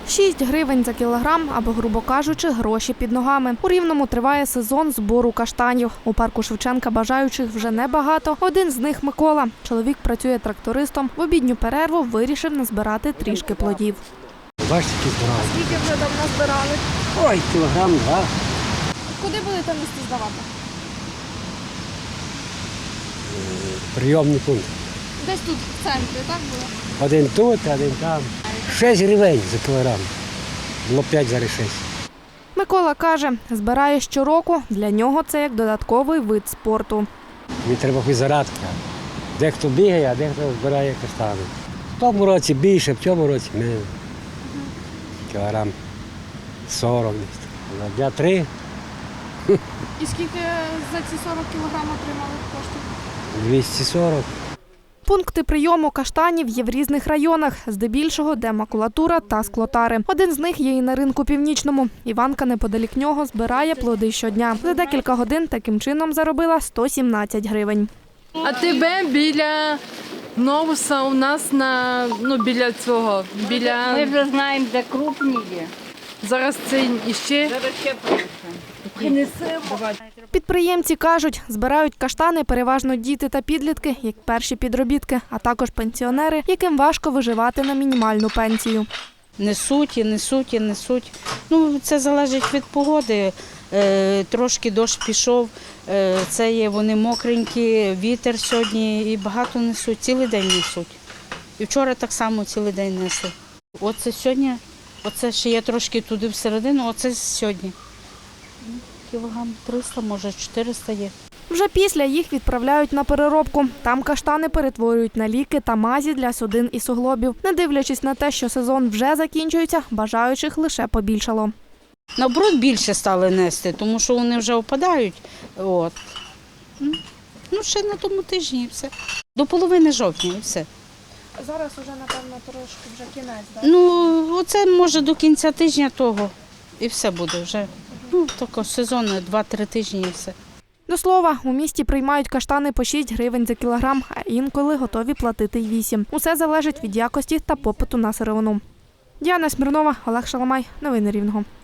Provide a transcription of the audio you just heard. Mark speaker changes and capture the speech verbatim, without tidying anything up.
Speaker 1: шість гривень за кілограм або, грубо кажучи, гроші під ногами. У Рівному триває сезон збору каштанів. У парку Шевченка бажаючих вже небагато. Один з них – Микола. Чоловік працює трактористом. В обідню перерву вирішив назбирати трішки плодів.
Speaker 2: Бачите, які збирали.
Speaker 1: Скільки вже давно збирали?
Speaker 2: Ой, кілограм, два.
Speaker 1: Куди будете нести здавати?
Speaker 2: Прийомний пункт.
Speaker 1: Десь тут, в центрі, так було?
Speaker 2: Один тут, один там. Шість гривень за кілограм. Було п'ять, зараз шість.
Speaker 1: Микола каже, збирає щороку. Для нього це як додатковий вид спорту.
Speaker 2: Мені треба хоч зарадка. Дехто бігає, а дехто збирає каштани. В тому році більше, в цьому році менше. Кілограм сорок. На дня три.
Speaker 1: І скільки за ці сорок кілограм отримали коштів?
Speaker 2: двісті сорок.
Speaker 1: Пункти прийому каштанів є в різних районах, здебільшого, де макулатура та склотари. Один з них є і на ринку північному. Іванка неподалік нього збирає плоди щодня. За декілька годин таким чином заробила сто сімнадцять гривень.
Speaker 3: А тебе біля Новуса у нас на, ну, біля цього, біля...
Speaker 4: Ми вже знаємо, де крупні є.
Speaker 3: Зараз це іще...
Speaker 4: Зараз ще принесемо.
Speaker 1: Підприємці кажуть, збирають каштани переважно діти та підлітки, як перші підробітки, а також пенсіонери, яким важко виживати на мінімальну пенсію.
Speaker 5: Несуть і несуть і несуть. Ну, це залежить від погоди. Е, трошки дощ пішов, е, це є вони мокренькі, вітер сьогодні і багато несуть, цілий день несуть. І вчора так само цілий день несли. Оце сьогодні, оце ще є трошки туди всередину, оце сьогодні. Кілограм триста, може чотириста є.
Speaker 1: Вже після їх відправляють на переробку. Там каштани перетворюють на ліки та мазі для судин і суглобів. Не дивлячись на те, що сезон вже закінчується, бажаючих лише побільшало.
Speaker 5: Наоборот, більше стали нести, тому що вони вже опадають. От. Ну, ще на тому тижні і все. До половини жовтня і все.
Speaker 1: Зараз вже, напевно, трошки вже кінець, так?
Speaker 5: Ну, оце може до кінця тижня того і все буде вже. Ну, тако сезонне, два-три тижні і все.
Speaker 1: До слова, у місті приймають каштани по шість гривень за кілограм, а інколи готові платити й вісім. Усе залежить від якості та попиту на сировину. Діана Смірнова, Олег Шаламай. Новини Рівного.